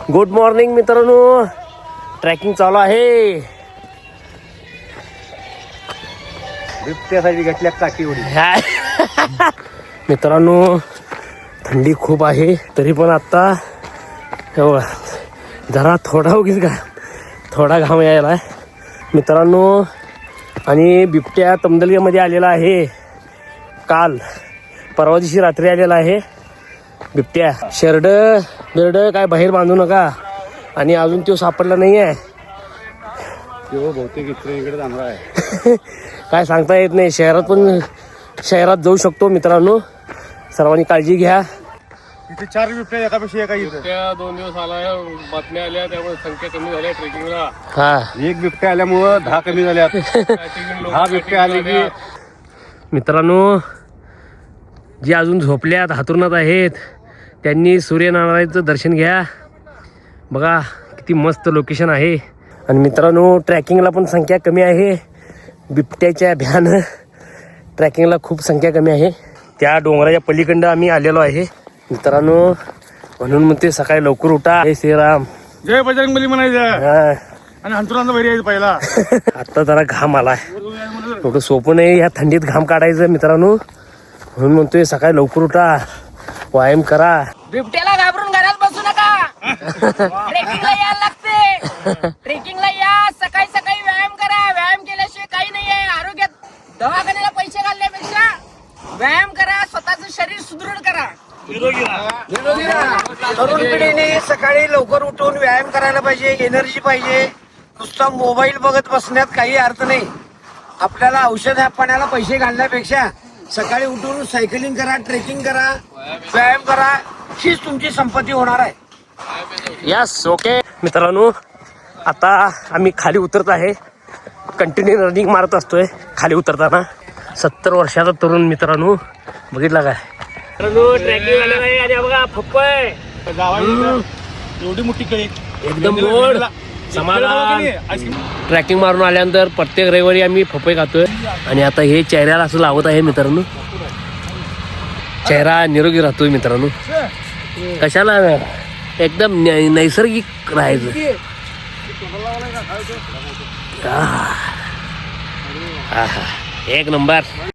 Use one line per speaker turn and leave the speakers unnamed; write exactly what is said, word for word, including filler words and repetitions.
Good morning मित्रांनो, tracking चालू आहे.
बिबट्यासाठी घेतल्या काठी उडी.
मित्रांनो थंडी खूप आहे, तरी पण आता जरा थोडा उगीच का थोडा घाम यायला मित्रांनो. आणि बिबट्या तमदलग्यामध्ये आलेला आहे. काल परवा दिवशी रात्री आलेला आहे बिबट्या. शेरड बिरड काय बाहेर बांधू नका. आणि अजून तो सापडला नाही आहे.
तो बहुतेक इकडे जाणार आहे.
काय सांगता येत नाही. शहरात पण शहरात जाऊ शकतो मित्रांनो. सर्वांनी काळजी घ्या.
इथे चार बिबट्या एकापेक्षा एका इथं.
त्या दोन दिवस आला, बातम्या आल्या, त्यामुळे संख्या कमी झाल्या ट्रेकिंगला.
हा
एक बिबट्या आल्यामुळं दहा कमी झाल्या. दहा बिबट्या आले की
मित्रांनो, जे अजून झोपल्यात हातरुणात आहेत त्यांनी सूर्यनारायणचं दर्शन घ्या. बघा किती मस्त लोकेशन आहे. आणि मित्रांनो ट्रॅकिंगला पण संख्या कमी आहे. बिबट्याच्या भ्यानं ट्रॅकिंगला खूप संख्या कमी आहे. त्या डोंगराच्या पलीकडं आम्ही आलेलो आहे मित्रांनो. म्हणून म्हणते सकाळी लवकर उठा. जय श्रीराम,
जय बजरंगबली म्हणायचं.
हा
आणि हंतुरांचा भरी यायचं पहिला.
आता जरा घाम आलाय. एवढं सोपं नाही या थंडीत घाम काढायचं मित्रांनो. म्हणून म्हणतोय सकाळी लवकर उठा, व्यायाम करा.
बिबट्याला घाबरून घरात बसू नका. ट्रेकिंगला यायला लागते. ट्रेकिंगला या, सकाळी सकाळी व्यायाम करा. व्यायाम केल्याशिवाय काही नाही आहे आरोग्यात. दवाखान्याला पैसे घालण्यापेक्षा व्यायाम करा, स्वतःचं शरीर सुदृढ करा.
तरुण पिढीने सकाळी लवकर उठून व्यायाम करायला पाहिजे. एनर्जी पाहिजे. नुसता मोबाईल बघत बसण्यात काही अर्थ नाही. आपल्याला औषध पाण्याला पैसे घालण्यापेक्षा सकाळी उठून सायकलिंग करा, ट्रेकिंग करा, व्यायाम करा. हीच तुमची संपत्ती होणार आहे.
यस ओके मित्रांनो, आता आम्ही खाली उतरत आहे. कंटिन्यू रनिंग मारत असतोय खाली उतरताना. सत्तर वर्षाचा तरुण मित्रांनो, बघितला काय मित्रांनो ट्रॅकिंग आलेला आहे. आणि बघा फप्पय
एवढी मोठी कळी
एकदम गोड समाधान. ट्रॅकिंग मारून आल्यानंतर प्रत्येक रविवारी आम्ही फपई खातोय. आणि आता हे चेहऱ्याला असं लावत आहे मित्रांनो. चेहरा निरोगी राहतोय मित्रांनो. कशाला एकदम नै- नैसर्गिक राहायचं. आहा. आहा. एक नंबर.